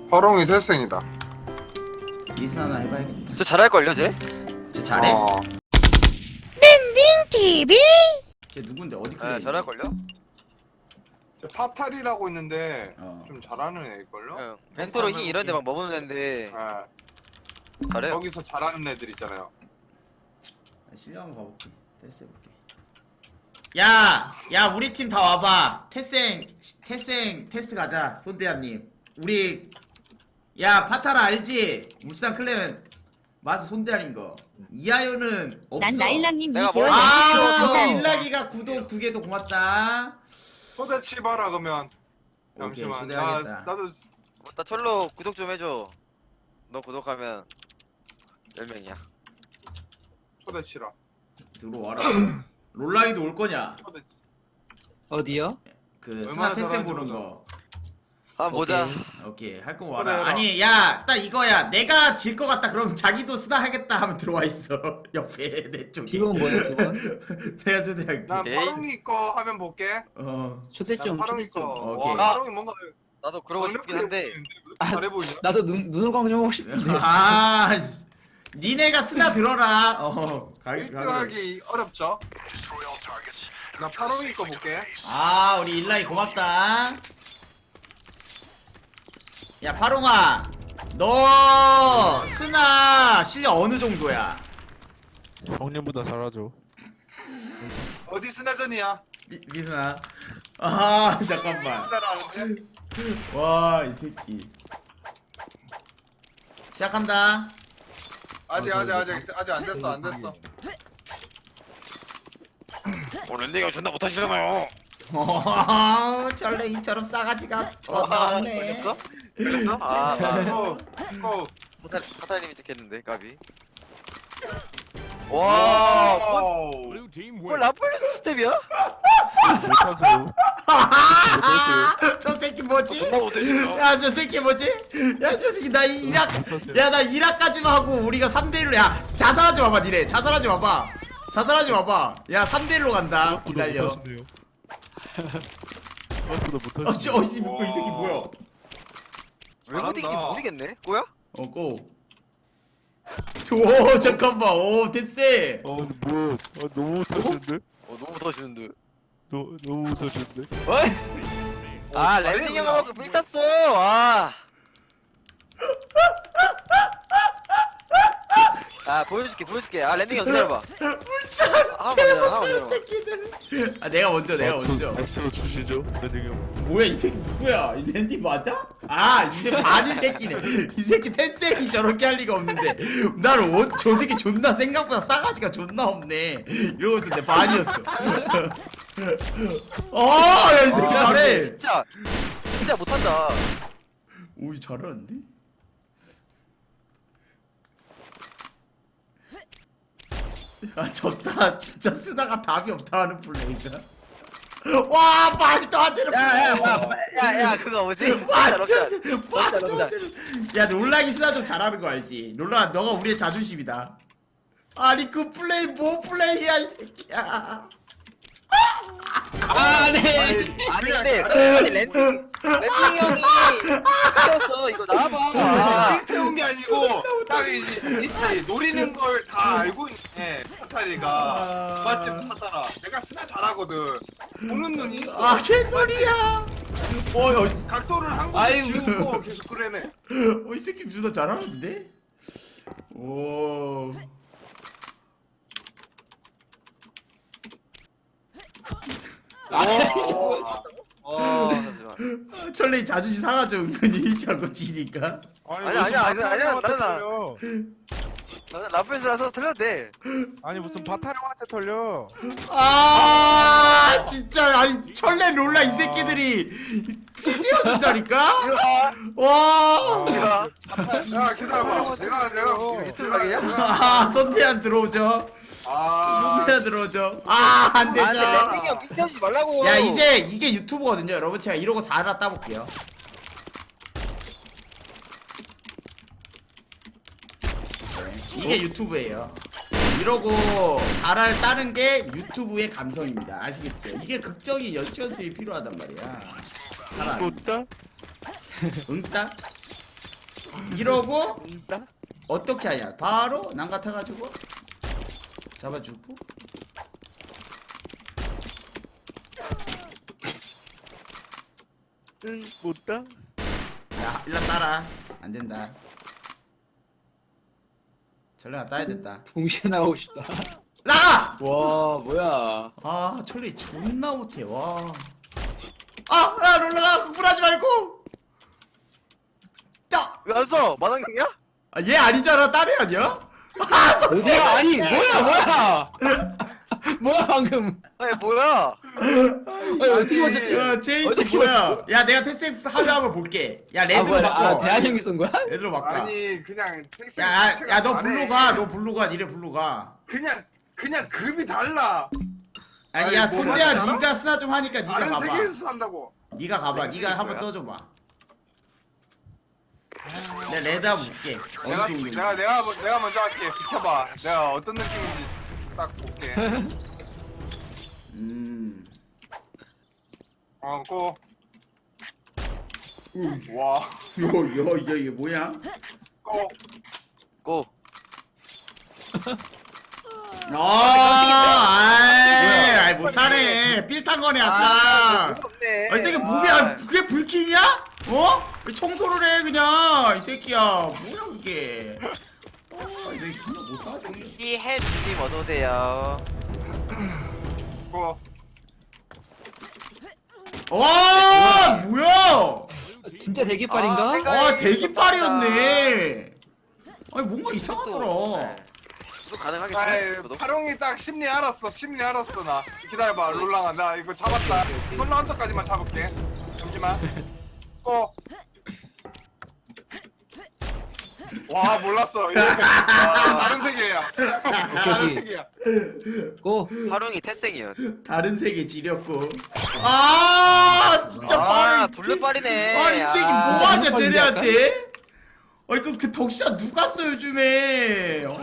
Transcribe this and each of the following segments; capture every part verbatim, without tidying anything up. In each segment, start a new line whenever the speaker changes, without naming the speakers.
화롱이 태생이다.
리슨 하나 해봐야겠다.
저 잘할걸요 쟤?
쟤 잘해?
어.
티비
쟤 누군데 어디
네
클레이?
잘할걸요?
저 파탈이라고 있는데
어.
좀 잘하는 애일걸요?
응 벤토로 흰 이런데 막 먹는 애인데
네.
잘해요.
거기서 잘하는 애들 있잖아요.
실력 한번 가볼게. 테스트 해볼게. 야! 야 우리 팀 다 와봐. 태생 태생 테스트 가자. 손대한님 우리 야 파타라 알지? 울산 클랜 마스 손대한인 거. 이하연은 없어.
난 나일락님
내가
이개월
뭐-
아
연습
우리 일락이가 구독 두 개도 고맙다.
초대 치봐라 그러면.
오케이,
잠시만.
초대하겠다.
나, 나도
뭐, 나 철로 구독 좀 해줘. 너 구독하면 열 명이야.
초대 치라.
들어와라. 롤라이도 올 거냐?
초대 치.
어디요?
그 스나
얼마나
태생
잘하는지
보는
보자.
거.
한번 보자.
오케이 할 거
그래,
와라.
해라.
아니 야 딱 이거야. 내가 질 것 같다. 그럼 자기도 스나 하겠다 하면 들어와 있어. 옆에 내 쪽에.
기본 뭐예요 기본?
내가 초대할게.
난
에이.
파롱이 거 하면 볼게.
어.
초대
난
좀
파롱이
초대
거.
좀.
오케이.
와, 파롱이 뭔가
나도 그러고 싶긴 한데
아,
잘해 보이냐?
나도 눈, 눈을 광 좀 하고 싶은데
아 니네가 스나 들어라. 어. 가기
일 등
가기.
하기 어렵죠? 나 파롱이 거 볼게.
아 우리 일라이 고맙다. 야 파롱아 너 스나 실력 어느 정도야?
형님보다 잘하죠.
어디 스나전이야?
미, 미스나. 아 잠깐만.
스나라는데?
와 이 새끼. 시작한다.
아직
어,
아직
저
아직 아직 안 됐어 안 됐어.
어 랜딩이 존나 못하시잖아요.
어, 전레이처럼 싸가지가 존나 없네.
걸렸어? 걸렸어? 아, 아.
고! 고!
파탈, 파탈님이 찍혔는데 까비. 와, 뭐,
오!
뭐 라플레스 스텝이야?
못하세요.
저 새끼 뭐지?
존나 못해주네요.
야 저 새끼 뭐지? 야 저 새끼 나 이락 야나 이락까지만 하고 우리가 삼 대 일로 야 자살하지 마봐 니네 자살하지 마봐 자살하지 마봐 야 삼 대 일로 간다 기다려.
못하시네요. 생각보다
어씨
못하시네요.
어씨 묶고 이 새끼 뭐야?
왜 못이긴지
잘한다.
모르겠네. 뭐야?
어 고. 오 잠깐만 오 됐세.
어, 뭐, 어, 너무 못하시는데?
어, 너무 못하시는데.
너, 너무 못하시는데?
어이?
아,
잘해,
랜딩
그냥.
형하고 빌 탔어. 와. 아, 보여줄게, 보여줄게. 아, 랜딩 형 기다려봐.
불쌍.
한번 기다려, 한번 기다려.
새끼들. 아 내가 먼저 내가 먼저.
S 주시죠, 랜딩 형.
뭐야 이 새끼 누구야? 이 랜디 맞아? 아 이제 반이 새끼네. 이 새끼 텐센이 저렇게 할 리가 없는데 나는 저 새끼 존나 생각보다 싸가지가 존나 없네. 이러고 있었는데 반이었어. 어야 이 새끼
아, 근데
잘해.
진짜, 진짜 못한다.
오이 잘하는데? 야 졌다 진짜 쓰다가 답이 없다 하는 플레이다. 와 말도 안 되는
야, 야,
플레이.
야, 야, 야, 그거 뭐지?
와,
럽샷,
진짜,
럽샷,
말도 안
럽샷.
되는. 야, 롤락이 스나 좀 잘하는 거 알지? 롤락, 너가 우리의 자존심이다. 아니 그 플레이 뭐 플레이야 이 새끼야.
아 네.
아니 근데 아니 랜딩 랜딩 형이 뛰었어 이거 나와봐.
일 태운 게 아니고 딱 이제 있지 노리는 걸 다 알고 있네 파타리가. 맞지 파타라. 내가 스나 잘하거든. 보는 눈이 있어.
아 개소리야. 어야,
각도를 한 곳에
아이고.
지우고 계속 그래네.
어이 새끼 누나 잘하는데? 오.
와, 와 잠시만.
철레이 자존심 상하죠 은근히 자꾸 지니까.
아니, 아니야, 아니야, 아니야, 나는
털려.
나는 라플스라서 틀려도 돼.
아니 무슨 바타령한테 털려.
아 진짜 아니 철레 롤라 이 새끼들이 뛰어준다니까?
이거 봐,
와.
이거 봐.
야 기다려봐. 내가 내가
유튜브 각이야?
아 손태한 들어오죠.
아.
손태한 들어오죠. 아
아 근데
안되죠.
랜딩 형 삐뚤지 말라고.
야 이제 이게 유튜브거든요 여러분. 제가 이러고 사 하나 따볼게요. 네, 이게 유튜브예요. 이러고 사를 따는 게 유튜브의 감성입니다. 아시겠죠? 이게 극적인 연출 연습이 필요하단 말이야. 사람
또 따?
응따? 이러고
있다?
어떻게 하냐? 바로 난 같아가지고 잡아주고.
응, 못다.
야, 일로 따라. 안 된다. 전략 따야 됐다.
동시에 나오고 싶다.
나가!
와 뭐야?
아, 철리 존나 못해. 와. 아, 야, 롤러가 구분하지 말고. 야,
왜 안 써? 마당형이야?
아, 얘 아니잖아. 딸이 아니야? 아, 저-
어디야? 아니 뭐야 뭐야? 뭐야 방금?
아니 뭐야?
아니, 어떻게 맞췄지?
야, 제이지
어떻게
뭐야?
맞췄어?
야, 내가 테스트 하면 한번 볼게. 야,
아
레드로
뭐야?
바꿔.
아 대한 형이 쏜 거야?
레드로 바꿔.
아니 그냥 택시
야, 야, 야, 너 블루 가. 너 블루 가. 니네 블루 가.
그냥 그냥 급이 달라.
아니,
아니,
야,
뭐
손대야,
말이야?
니가 스나 좀 하니까 니가
다른
가봐.
세계에서 산다고.
니가 가봐.
렉스
니가 한번
뭐야?
떠줘봐. 내가 레드 한번 볼게. 어느
내가
정도인지.
내가 내가 먼- 내가 먼저 할게. 비켜봐. 내가 어떤 느낌인지 딱 볼게.
음.
어, 고. 와,
요, 요, 요, 이게 뭐야?
고.
고.
아, 아이, 아이, 못하네. 삘탄 거네, 아까.
뭐가 없네.
아, 이 새끼 몸이, 아, 그게 불킹이야? 어? 왜 청소를 해, 그냥. 이 새끼야. 뭐야, 그게. 아, 이 새끼 존나 못하네.
이 해주님 어서오세요.
고.
와, 뭐야?
진짜 대기빨인가?
아, 내가-
아, 대기빨이었네. 아니, 뭔가 이상하더라.
또 가능하겠어?
아이,
저도?
파롱이 딱 심리 알았어. 심리 알았어 나. 기다려봐, 롤랑아. 나 이거 잡았다. 롤랑 한턱까지만 잡을게. 잠시만. 고. 와, 몰랐어. 이거 다른 세계야. 다른
오케이.
세계야.
고.
하룡이 태생이요.
다른 세계 지렸고. 아, 진짜
아,
빠르.
블루빨이네.
아, 이 새끼
아,
뭐하냐,
블루빨인데
쟤네한테? 아니, 그, 그 덕시야 누가 써, 요즘에? 어.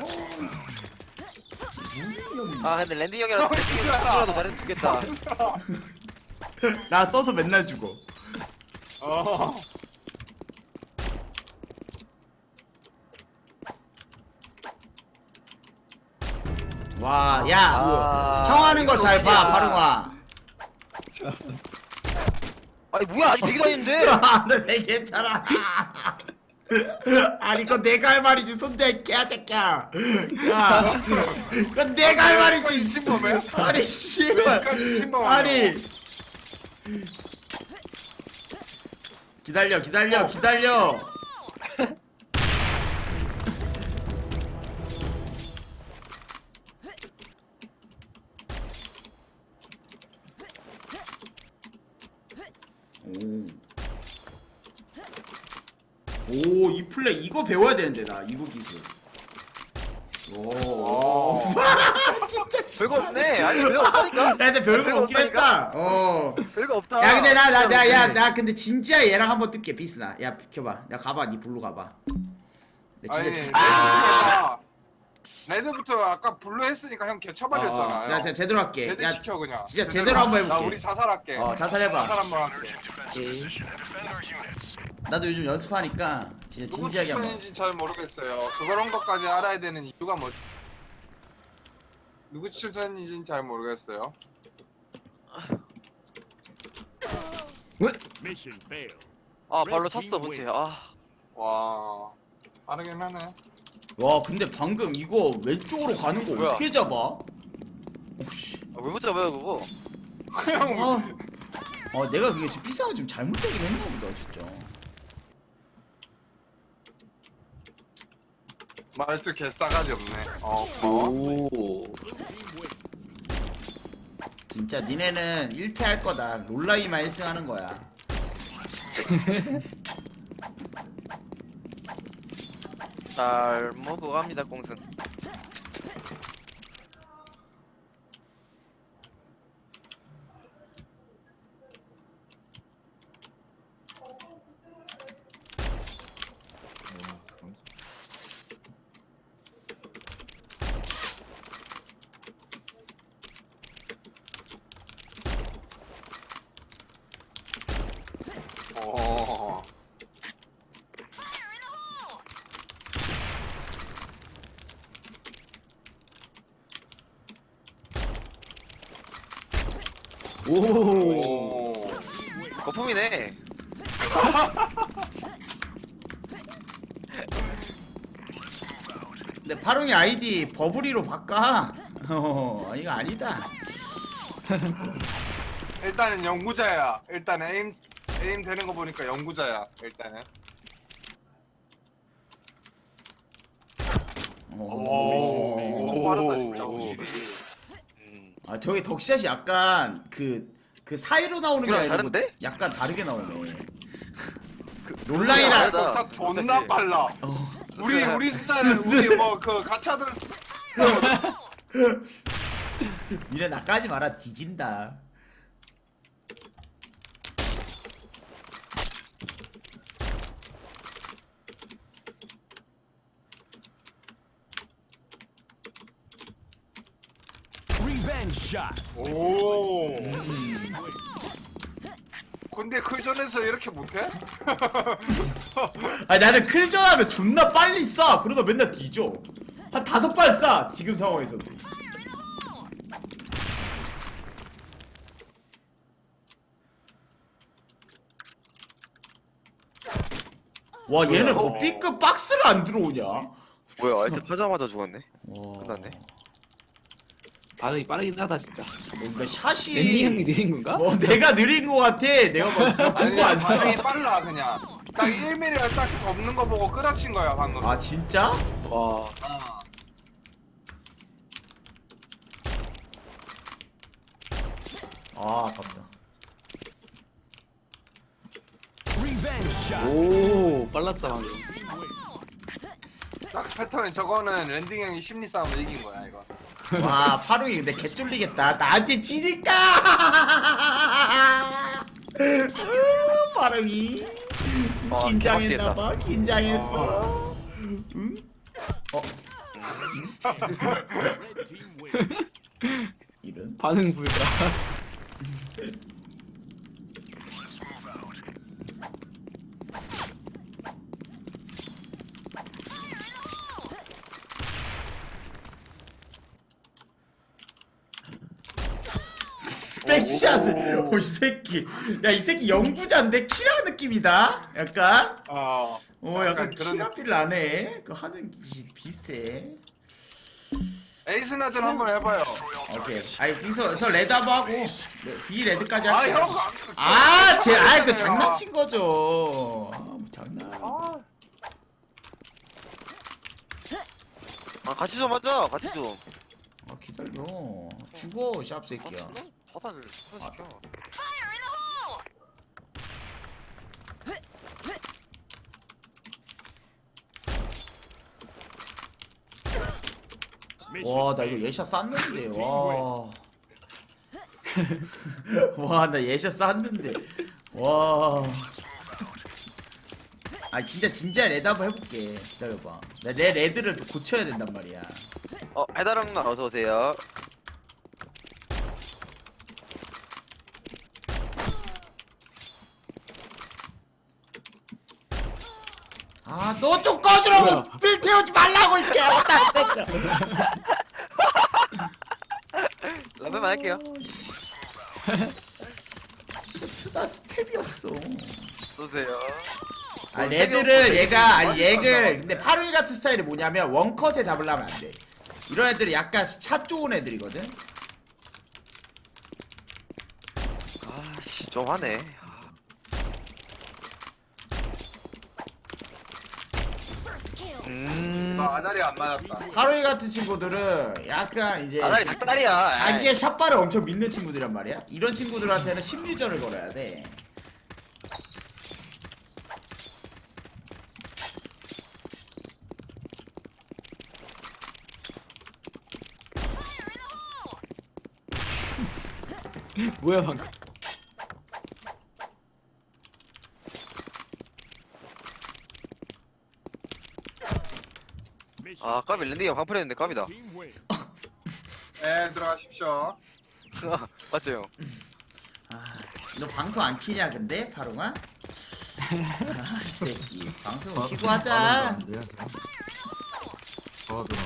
아, 근데 랜디 형이랑
어, 진짜.
태생이라도 잘해도 좋겠다.
나 써서 맨날 죽어.
어.
와, 야.
아,
형 하는 거 잘 봐,
역시야.
바로가.
아니 뭐야 아직 되게 다녔는데.
아, 내 괜찮아. 아니, 이거 내가 할 말이지, 손대, 개새끼야. 야, 이건 내가 할 말이지.
진범이야?
아니, 씨발.
여기까지 침범하냐고.
아니. 기다려, 기다려, 기다려. 오. 오, 이 플레이 이거 배워야 되는데 나 이거 기술. 오. 진짜.
별거 없네. 아니 별거 없다니까.
야, 근데 별거
별거
없긴
없다니까?
했다. 어.
별거 없다.
야, 근데 나 나
진짜
나 야
없네.
나 근데 진짜 얘랑 한번 뜰게 비스나. 야, 비켜봐. 야, 가봐. 니 블루 가봐. 내
아니,
진짜. 진-
레드부터 레드부터 아까 블루 했으니까 형
어,
개쳐버렸잖아.
나 진짜 제대로 할게.
레드
야,
시켜 그냥.
진짜 제대로 한번
나
해볼게.
우리 자살할게.
어, 자살해봐.
자살 한번 할게.
오케이.
나도 요즘 연습하니까 진짜
누구
진지하게 한번.
추천인지 잘 모르겠어요. 그런 것까지 알아야 되는 이유가 뭐? 누구 추천인지는 잘 모르겠어요.
왜?
Mission failed.
아 발로 찼어 본체. 아
와, 빠르긴 하네.
와, 근데 방금 이거 왼쪽으로 가는 거
뭐야?
어떻게 잡아? 오씨.
아, 왜 못 잡아요 그거?
형
아, 아, 내가 그게 지금 피사가 좀 잘못되긴 했나 보다, 진짜.
말투 개싸가지 없네. 어, 고마워.
오.
진짜 니네는 일 패 할 거다. 롤라이만 일 승 하는 거야.
잘 먹어갑니다 공승.
어.
오.
오.
거품이네.
근데 파롱이 아이디 버블이로 바꿔. 어, 이거 아니다.
일단은 연구자야. 일단 에임 에임 되는 거 보니까 연구자야. 일단은. 오.
오.
빠르다 진짜 확실히.
음.
아 저기 덕샷이 약간 그 그 사이로 나오는 게
그거랑
아니고
다른데?
약간 다르게 나오네.
그,
롤라이라-
다르다.
역사 존나 빨라.
어.
우리 우리 스타일은 우리 뭐 그 가차들
니네 나까지 마라 뒤진다.
오.
음.
근데 클전에서 이렇게 못해?
아니 나는 클전하면 존나 빨리 쏴. 그러다 맨날 뒤져. 한 다섯 발 쏴. 지금 상황에서도. 와 얘는 뭐
어.
B급 박스를 안 들어오냐?
뭐야 아이템 하자마자 죽었네.
와.
끝났네.
반응이 빠르긴 하다 진짜.
뭔가 샷이
랜딩 형이 느린 건가?
뭐 내가 느린 거 같아. 내가 뭐
아니
보고 안
반응이
써.
빨라 그냥. 딱 일 밀리미터 딱 없는 거 보고 끌어친 거야 방금.
아 진짜?
와.
아.
아 아깝다.
오 빨랐다 방금.
딱 패턴이 저거는 랜딩 형이 심리 싸움을 이긴 거야 이거.
와 파롱이 근데 개쫄리겠다. 나한테 지니까. 으, 파롱이
어,
긴장했나봐. 긴장했어. 응? 어? 이런?
반응 불가.
백샷을. 오이 새끼. 야 이 새끼 영부자인데 키랑 느낌이다. 약간.
어.
어 약간
그런
키라필 나네. 그 하는 기 비슷해.
에이스 나전 한번 해봐요.
오케이. 아니 여기서 레드하고 하고 B 레드까지
아
할게.
형.
아, 제, 아, 그 장난친 거죠. 아, 뭐 장난.
아,
아 같이 좀 하자. 같이 좀.
아, 기다려. 죽어, 샵 새끼야.
화산을 시켜.
와, 나 이거 예샷 쌌는데, 와. 와, 나 예샷 쌌는데. 와. 아, 진짜, 진짜 레드 한번 해볼게. 기다려봐. 나 내 레드를 좀 고쳐야 된단 말이야.
어 해다랑 나 어서 오세요.
아, 너 좀 꺼주라고! 빌 태우지 말라고, 이게! 어따, 새끼야!
라면만 할게요.
진짜 쓰다 스텝이 없어.
오세요.
아 레드를 얘가 아니 얘를 근데 파루이 같은 스타일이 뭐냐면 원컷에 잡으려면 안 돼. 이런 애들은 약간 샷 좋은 애들이거든.
아씨 좀 하네. 음.
나 아다리 안 맞았다.
파루이 같은 친구들은 약간 이제
아다리 닭다리야.
자기의 샷발을 엄청 믿는 친구들이란 말이야. 이런 친구들한테는 심리전을 걸어야 돼.
뭐야 방금.
아 까비 랜딩이 형 방풀했는데 까비다.
네 들어가십시오.
맞죠 형?
아, 너 방송 안 키냐 근데 파루가? 아, 이 새끼 방송 키고 하자.
어, 들어.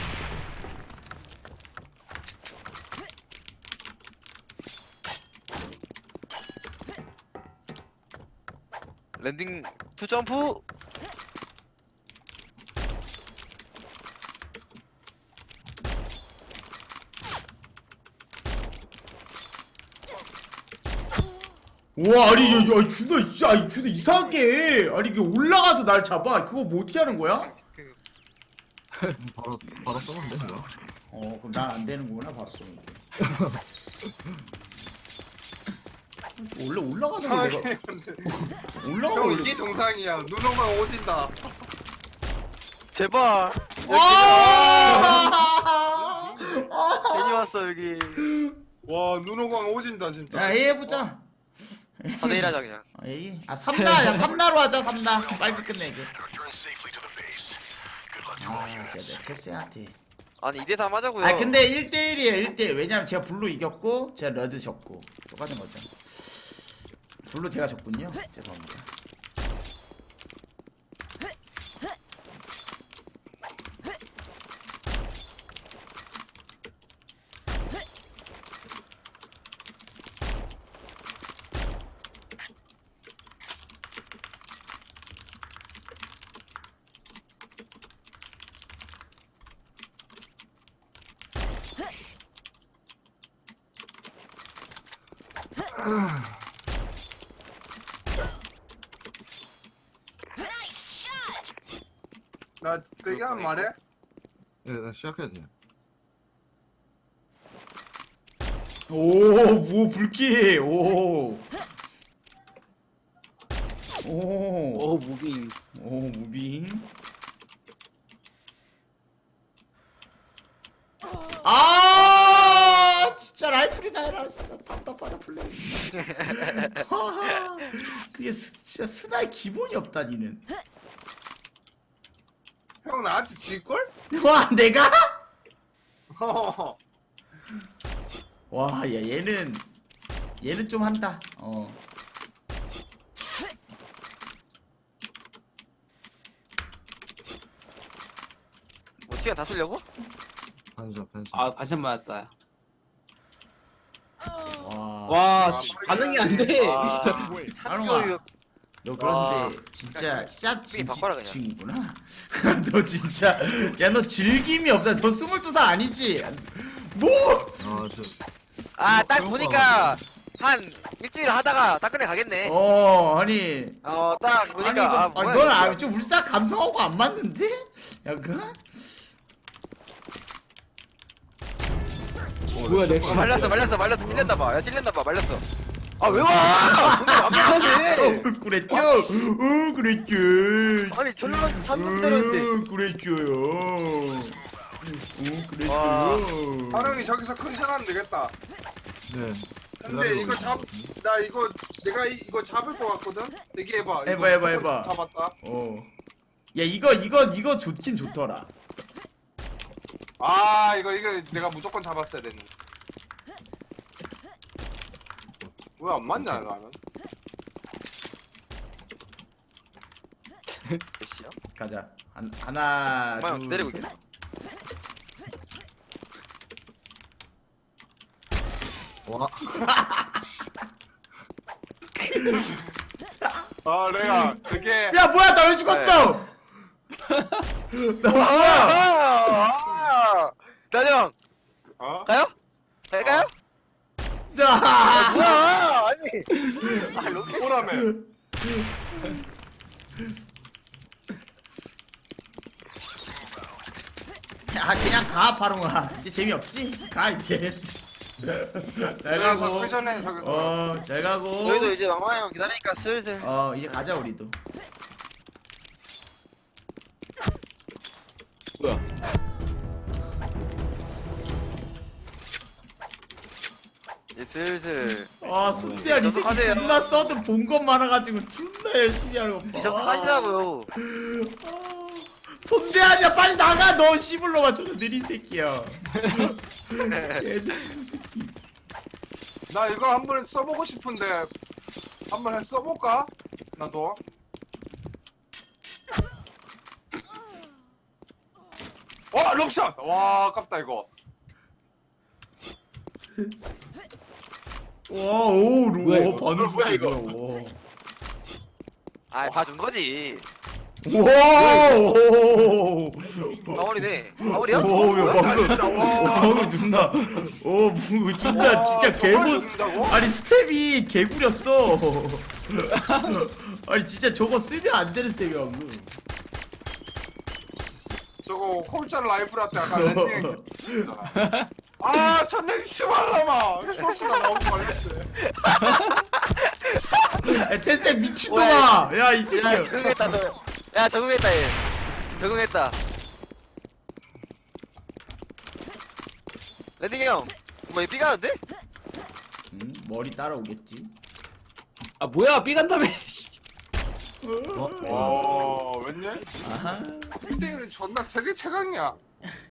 랜딩 투 점프.
와 아니 야, 야 준아 진짜 아니 준아 이상하게 해. 아니 이게 올라가서 날 잡아. 그거 뭐 어떻게 하는 거야?
바로 바로 쏘면 돼 그거.
어 그럼 난 안 되는구나 바로 쏘는 게. 원래 올라가서
이상하게
내가
했는데.
올라가
형 이게 정상이야. 눈오가 오진다.
제발.
와!
괜히 왔어 여기.
와 눈오광 오진다 진짜.
야 A 해보자.
사 대 일 하자 그냥.
아, A. 아 삼나 야 삼나로 하자 삼나. 빨리 끝내게. 아 진짜 내 패스한테.
아니 이 대 삼 하자고요.
아 근데 일 대 일이에요 일 대 일. 왜냐면 제가 블루 이겼고 제가 레드 졌고 똑같은 거죠. 블루 제가 졌군요. 죄송합니다.
나 되게 한 말해?
예, 나 시작해야 돼.
오뭐 불키 오. 오.
오 무빙.
오 무빙. 아 진짜 라이플이나 해라 진짜 답답하다 플레이. 하하, 그게 스, 진짜 스나의 기본이 없다 니는.
형 나한테 질걸?
와 내가?
어.
와 야 얘는 얘는 좀 한다. 어.
뭐 시간 다 쓰려고?
반샷 반샷.
아 반샷 맞았다.
와.
와
아,
반응이 안 돼.
아,
아롱아.
삼교육.
너
와.
그런데 진짜 진짜
삐 바꿔라, 그냥.
진이구나. 너 진짜 야 너 즐김이 없다. 너 스물두 살 아니지? 뭐?
아 저.
아, 딱
그런 거
보니까 한 일주일 하다가 딱 끝내 가겠네.
어 아니
어, 딱
아니
보니까
이거
아,
아니,
뭐야.
넌
이거.
아, 좀 울산 감성하고 안 맞는데? 약간?
뭐야 내
어, 말렸어, 말렸어, 말렸어. 찔렸나 봐. 야, 찔렸나 봐. 말렸어. 아, 왜 와? 근데 완벽하네.
어 그랬죠? 어 그랬죠?
아니, 전력 삼 분 기다렸는데.
어 그랬죠요. 어
와.
그랬죠?
하령이 저기서 컨텐하면 되겠다.
네.
근데 이거 잡, 나 이거 내가 이, 이거 잡을 것 같거든. 대기해봐.
해봐,
이거
해봐,
무조건
해봐.
잡았다.
어. 야 이거 이거 이거 좋긴 좋더라.
아 이거 이거 내가 무조건 잡았어야 되는. 왜 안 맞냐 나는?
몇 시야?
가자. 한, 하나
엄마 형
둘
기다리고
셋.
있겠다.
와.
아 내가 그게
야 뭐야 나 왜 죽었어? 나 뭐야?
아! 나령
어?
가요? 갈까요?
나.
뭐야? 아니. 아, 로켓.
오라며.
아 그냥 가 바로가 이제 재미없지? 가 이제. 잘
내가 저
가고.
쿠션에 저기서.
어잘 가고.
저희도 이제 막마 형 기다리니까 슬슬.
어 이제 가자 우리도.
뭐야?
이제 슬슬.
아 손대야 이 새끼
계속하세요.
존나 써도 본 것 많아가지고 존나 열심히 하는 거 봐.
이제 하시라고요.
아, 손대하냐 빨리 나가 너 씨불로만 저저 느린 새끼야. 얘들 새끼.
나 이거 한번 써보고 싶은데 한번 해 써볼까? 나도. 와 롱샷. 와 아깝다 이거.
와오
뭐야,
루
이거?
반응
뭐야,
속도
이거?
뭐야, 와.
아 봐준 거지.
오.
가오리네. 가오리야?
오, 야,
아,
방금,
진짜, 와.
어, 방금 존나, 오, 뭐, 존나,
와,
진짜
저걸
개구,
죽는다고?
아니, 스텝이 개구렸어. 아니, 진짜 저거 쓰면 안 되는 스텝이야, 방금.
저거 콜짤 라이프라때 아까 랜딩 아 천랭 씨발라마 소스가 너무 걸렸어.
야, 테스트 미친놈아! 야, 이
야
새끼야.
적응했다 저. 야 적응했다 얘. 적응했다. 랜딩 형. 뭐얘 삐가는데?
음, 머리 따라오겠지.
아 뭐야 삐 간다며.
와 웬일?
아하.
빌딩은 존나 세계 최강이야.